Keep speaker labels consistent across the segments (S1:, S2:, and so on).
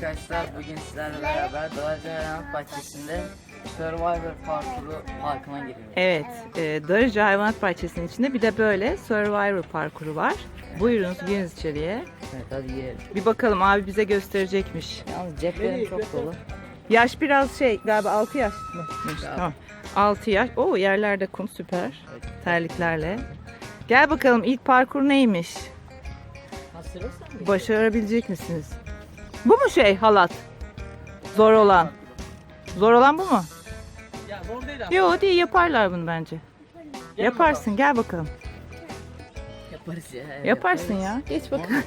S1: arkadaşlar, bugün sizlerle beraber Darıca Hayvanat Bahçesi'nde Survivor parkına giriyoruz.
S2: Evet, Darıca Hayvanat Bahçesi'nin içinde bir de böyle Survivor parkuru var. Buyurunuz, giriniz içeriye.
S1: Evet, hadi girelim.
S2: Bir bakalım, abi bize gösterecekmiş.
S1: Yalnız ceplerim çok dolu.
S2: Yaş biraz galiba 6 yaş mı? Tamam. 6 yaş. Oo, yerlerde kum, süper. Terliklerle. Gel bakalım, ilk parkur neymiş? Başarabilecek misiniz? Bu mu halat? Zor olan. Zor olan bu mu?
S3: Ya zor değil abi.
S2: Yok değil, yaparlar bunu bence. Yaparsın, gel bakalım.
S1: Yaparız ya.
S2: Yaparsın ya. Geç bakalım.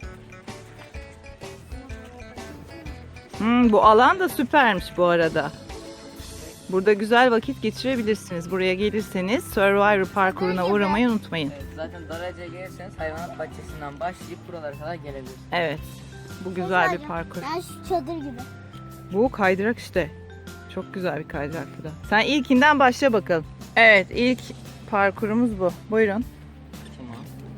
S2: Bu alan da süpermiş bu arada. Burada güzel vakit geçirebilirsiniz. Buraya gelirseniz Survivor parkuruna uğramayı unutmayın.
S1: Evet, zaten Darıca'ya gelirseniz hayvanat bahçesinden başlayıp buralara kadar gelebilirsiniz.
S2: Evet. Bu güzel bir parkur.
S4: Ben şu çadır gibi.
S2: Bu kaydırak işte. Çok güzel bir kaydırak bu da. Sen ilkinden başla bakalım. Evet, ilk parkurumuz bu. Buyurun.
S1: Tamam.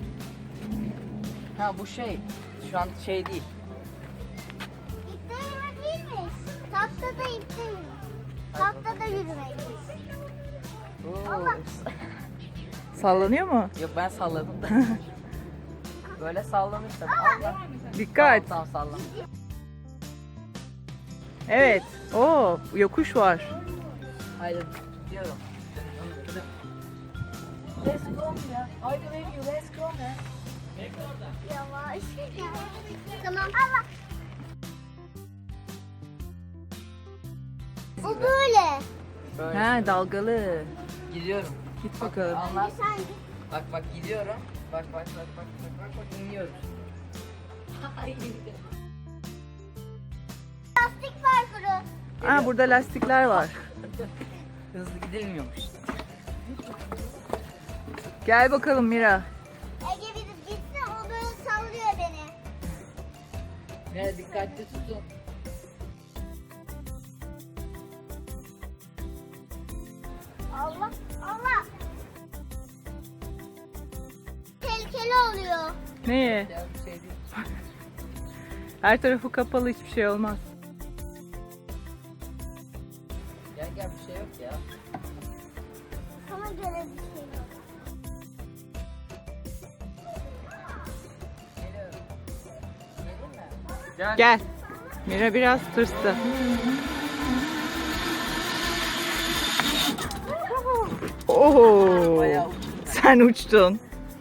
S1: Ha bu şu an değil.
S4: İpte yürüme değilmiş. Tahtada ipte yürüme. Tahtada yürümeymiş.
S1: Oo.
S2: Sallanıyor mu?
S1: Yok, ben salladım da. Böyle sallanır tabii. Allah.
S2: Dikkat.
S1: Tamam sallan.
S2: Evet. Oo, yokuş var.
S1: Haydi diyorum. Let's go ya. Haydi baby, let's go man.
S4: Yavaş. Tamam. Allah. Bu böyle.
S1: Böyle.
S2: Ha, dalgalı.
S1: Gidiyorum.
S2: Git bakalım.
S1: Anlat.
S4: Sen
S1: Bak gidiyorum. Bak iniyoruz.
S4: lastik parkuru.
S2: Ha, burada lastikler var.
S1: Hızlı gidilmiyormuş.
S2: Gel bakalım Mira.
S4: Ege gidip gitsin, o böyle sallıyor beni.
S1: Ne, dikkatli tutun.
S4: Allah. Allah. Tehlikeli oluyor.
S2: Neye?
S1: Ya bir şey değil.
S2: Her tarafı kapalı, hiçbir şey olmaz.
S1: Gel bir şey yok ya.
S4: Sana göre bir şey yok.
S1: Geliyorum. Gelin mi?
S2: Gel. Mira biraz tırstı. Oho.
S1: Bayağı
S2: Sen uçtun.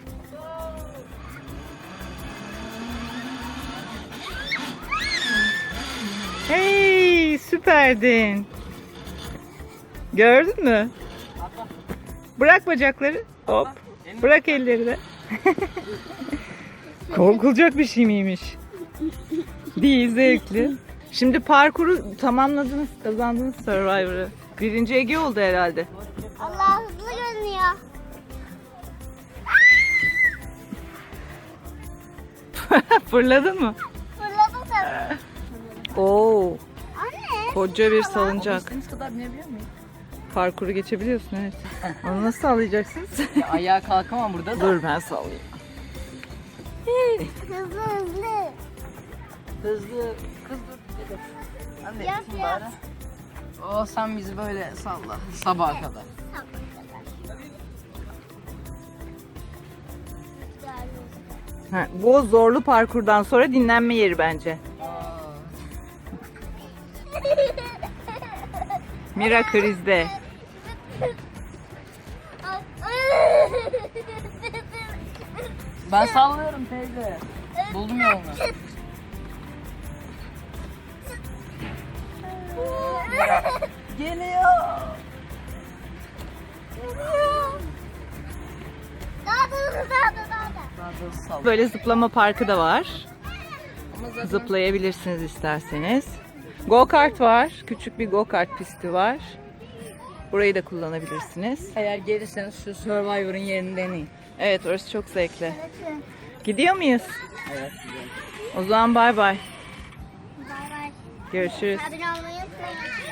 S2: Hey, süperdin. Gördün mü? Bırak bacakları. Hop. Bırak elleri de. Korkulacak bir şey miymiş? Değil, zevkli. Şimdi parkuru tamamladınız, kazandınız Survivor'ı. Birinci Ege oldu herhalde.
S4: Allah, hızlı görünüyor.
S2: Fırladın mı?
S4: Fırladım tabii.
S2: Oo,
S4: Anne.
S2: koca bir salıncak.
S1: İstediğiniz kadar binebiliyor muyum?
S2: Parkuru geçebiliyorsun, evet. Onu nasıl sağlayacaksınız?
S1: Ya, ayağa kalkamam burada da.
S2: Dur ben sallayayım.
S4: Hızlı hızlı.
S1: Hızlı. Kız dur. Dedim. Anne
S4: Yap,
S1: itme
S4: yap.
S1: bari. Sen bizi böyle salla. Sabaha kadar.
S2: Ha, bu zorlu parkurdan sonra dinlenme yeri bence. Mira krizde.
S1: Ben sallıyorum teyze. Buldum yolunu. Geliyor.
S4: Daha da hızlı, daha da.
S1: Daha da sal.
S2: Böyle zıplama parkı da var.
S1: Ama zaten
S2: Zıplayabilirsiniz isterseniz. Go kart var. Küçük bir go kart pisti var. Burayı da kullanabilirsiniz.
S1: eğer gelirseniz şu Survivor'ın yerini deneyin.
S2: Evet, orası çok zevkli. Gidiyor muyuz?
S1: Evet.
S2: O zaman bay bay.
S4: Bay bay.
S2: Görüşürüz.
S4: Abone olmayı unutmayın.